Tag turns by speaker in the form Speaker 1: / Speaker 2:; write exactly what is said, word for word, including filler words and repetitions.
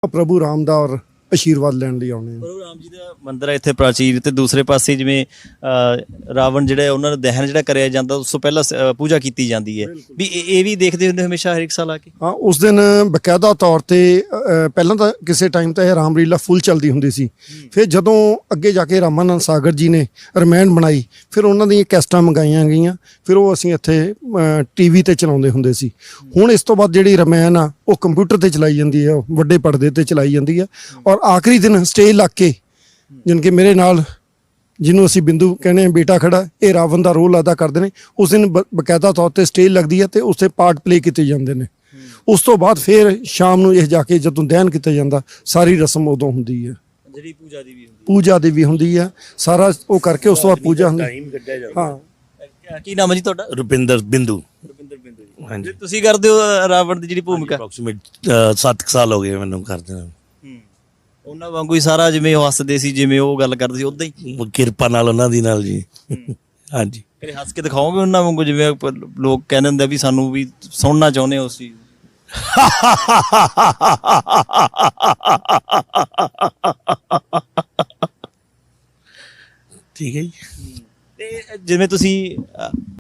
Speaker 1: ਪ੍ਰਭੂ ਰਾਮ ਦਾ ਔਰ ਆਸ਼ੀਰਵਾਦ ਲੈਣ ਲਈ ਆਉਂਦੇ ਆ।
Speaker 2: ਪ੍ਰਭੂ ਰਾਮ ਜੀ ਦਾ ਮੰਦਿਰ ਹੈ ਇੱਥੇ ਪ੍ਰਾਚੀਨ, ਤੇ ਦੂਸਰੇ ਪਾਸੇ ਜਿਵੇਂ ਅ, ਰਾਵਣ ਜਿਹੜਾ ਉਹਨਾਂ ਦਾ ਦਹਨ ਜਿਹੜਾ ਕਰਿਆ ਜਾਂਦਾ ਉਸ ਤੋਂ ਪਹਿਲਾਂ ਅ, ਪੂਜਾ ਕੀਤੀ ਜਾਂਦੀ ਹੈ, ਵੀ ਇਹ ਇਹ ਵੀ ਦੇਖਦੇ ਹੁੰਦੇ ਹਮੇਸ਼ਾ ਹਰ ਇੱਕ ਸਾਲ ਆ ਕੇ?
Speaker 1: ਹਾਂ, ਉਸ ਦਿਨ ਬਕਾਇਦਾ ਤੌਰ ਤੇ ਅ, ਪਹਿਲਾਂ ਤਾਂ ਕਿਸੇ ਟਾਈਮ ਤਾਂ ਇਹ ਰਾਮਲੀਲਾ ਫੁੱਲ ਚੱਲਦੀ ਹੁੰਦੀ ਸੀ। ਫਿਰ ਜਦੋਂ ਅੱਗੇ ਜਾ ਕੇ ਰਾਮਾਨੰਦ ਸਾਗਰ ਜੀ ਨੇ ਰਮਾਇਣ ਬਣਾਈ, ਫਿਰ ਉਹਨਾਂ ਦੀਆਂ ਕੈਸਟਾਂ ਮੰਗਾਈਆਂ ਗਈਆਂ, ਫਿਰ ਉਹ ਅਸੀਂ ਇੱਥੇ ਟੀਵੀ ਤੇ ਚਲਾਉਂਦੇ ਹੁੰਦੇ ਸੀ। ਹੁਣ ਇਸ ਤੋਂ ਬਾਅਦ ਜਿਹੜੀ ਰਮਾਇਣ ਆ ਉਹ ਕੰਪਿਊਟਰ ਤੇ ਚਲਾਈ ਜਾਂਦੀ ਹੈ, ਵੱਡੇ ਪਰਦੇ ਤੇ ਚਲਾਈ ਜਾਂਦੀ ਹੈ। ਔਰ ਆਖਰੀ ਦਿਨ ਸਟੇਜ ਲੱਗ ਕੇ, ਜਾਣੀ ਕਿ ਮੇਰੇ ਨਾਲ ਜਿਹਨੂੰ ਅਸੀਂ ਬਿੰਦੂ ਕਹਿੰਦੇ ਹਾਂ ਬੇਟਾ ਖੜਾ, ਇਹ ਰਾਵਣ ਦਾ ਰੋਲ ਅਦਾ ਕਰਦੇ ਨੇ। ਉਸ ਦਿਨ ਬ ਬਕਾਇਦਾ ਤੌਰ ਤੇ ਸਟੇਜ ਲੱਗਦੀ ਹੈ ਤੇ ਉਸ 'ਤੇ ਪਾਰਟ ਪਲੇ ਕੀਤੇ ਜਾਂਦੇ ਨੇ। ਉਸ ਤੋਂ ਬਾਅਦ ਫਿਰ ਸ਼ਾਮ ਨੂੰ ਇਹ ਜਾ ਕੇ ਜਦੋਂ ਦਹਨ ਕੀਤਾ ਜਾਂਦਾ, ਸਾਰੀ ਰਸਮ ਉਦੋਂ ਹੁੰਦੀ ਹੈ,
Speaker 2: ਜਿਹੜੀ ਪੂਜਾ ਦੀ ਵੀ ਹੁੰਦੀ
Speaker 1: ਪੂਜਾ ਦੀ ਵੀ ਹੁੰਦੀ ਹੈ, ਸਾਰਾ ਉਹ ਕਰਕੇ ਉਸ ਤੋਂ ਬਾਅਦ ਪੂਜਾ ਹੁੰਦੀ। ਹਾਂ,
Speaker 2: ਹੈ। ਕੀ ਨਾਮ ਹੈ ਜੀ ਤੁਹਾਡਾ?
Speaker 3: ਰੁਪਿੰਦਰ ਬਿੰਦੂ।
Speaker 2: ਰੁਪਿੰਦਰ ਬਿੰਦੂ ਜੀ।
Speaker 3: ਹਾਂਜੀ,
Speaker 2: ਤੁਸੀਂ ਕਰਦੇ ਹੋ ਅ, ਰਾਵਣ ਦੀ ਜਿਹੜੀ ਭੂਮਿਕਾ?
Speaker 3: ਅਪਰੋਕਸੀਮੇਟ ਸੱਤ ਸਾਲ ਹੋ ਗਏ ਮੈਨੂੰ ਕਰਦੇ ਨੂੰ।
Speaker 2: ਉਹਨਾਂ ਵਾਂਗੂ ਹੀ ਸਾਰਾ, ਜਿਵੇਂ ਉਹ ਹੱਸਦੇ ਸੀ, ਜਿਵੇਂ ਉਹ ਗੱਲ ਕਰਦੇ ਸੀ, ਉਦਾਂ ਹੀ
Speaker 3: ਕਿਰਪਾ ਨਾਲ ਉਹਨਾਂ ਦੀ ਨਾਲ ਜੀ। ਹਾਂਜੀ,
Speaker 2: ਕਦੇ ਹੱਸ ਕੇ ਦਿਖਾਓਗੇ ਉਹਨਾਂ ਵਾਂਗੂ, ਜਿਵੇਂ ਆਪਾਂ ਲੋਕ ਕਹਿੰਦੇ ਹੁੰਦੇ ਆ ਵੀ ਸਾਨੂੰ ਵੀ ਸੁਣਨਾ ਚਾਹੁੰਦੇ ਹੋ ਉਸ ਚੀਜ਼ ਨੂੰ?
Speaker 3: ਠੀਕ ਹੈ ਜੀ।
Speaker 2: ਤੇ ਜਿਵੇਂ ਤੁਸੀਂ ਅ,